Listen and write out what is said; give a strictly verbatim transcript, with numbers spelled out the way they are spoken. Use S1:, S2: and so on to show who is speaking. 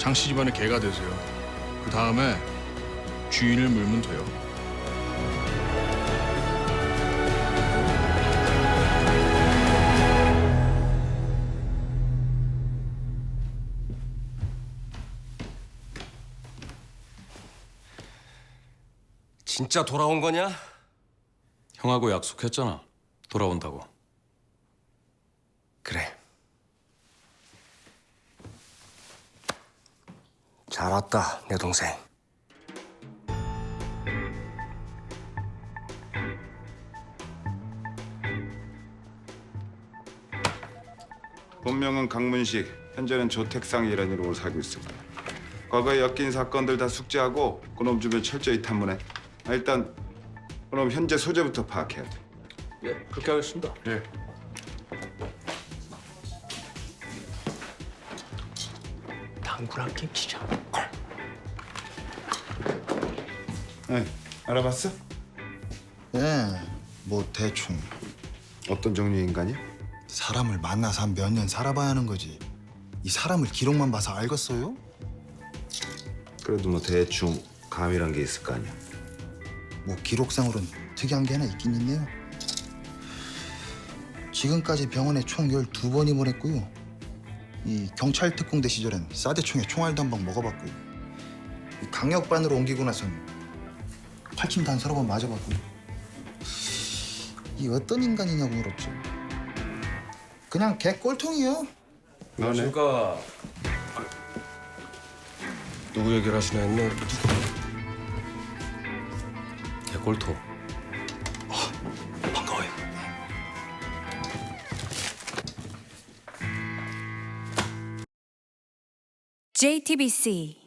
S1: 장씨 집안의 개가 되세요. 그 다음에 주인을 물면 돼요.
S2: 진짜 돌아온 거냐?
S3: 형하고 약속했잖아. 돌아온다고.
S2: 그래. 잘 왔다, 내 동생.
S4: 본명은 강문식, 현재는 조택상이라는 이름으로 살고 있습니다. 과거에 엮인 사건들 다 숙지하고 그놈 주변 철저히 탐문해. 아, 일단 그놈 현재 소재부터 파악해야 돼.
S2: 예, 그렇게 하겠습니다.
S1: 예.
S2: 당구랑 김치자.
S4: 네, 알아봤어?
S5: 예, 뭐 대충
S4: 어떤 종류의 인간이야?
S5: 사람을 만나서 한 몇 년 살아봐야 하는 거지. 이 사람을 기록만 봐서 알겠어요?
S4: 그래도 뭐 대충 감이란 게 있을 거 아니야.
S5: 뭐 기록상으로는 특이한 게 하나 있긴 있네요. 지금까지 병원에 총 열두 번 입원했고요. 이 경찰 특공대 시절엔 사대총에 총알도 한 방 먹어봤고요. 이 강력반으로 옮기고 나선 활침도 한 서너 번 맞아봤고요. 이 어떤 인간이냐고 물었죠. 그냥 개 꼴통이요.
S4: 너네?
S2: 그러니까 누구 얘기를 하시나 했네. 개꼴통. 반가워요.
S6: 제이티비씨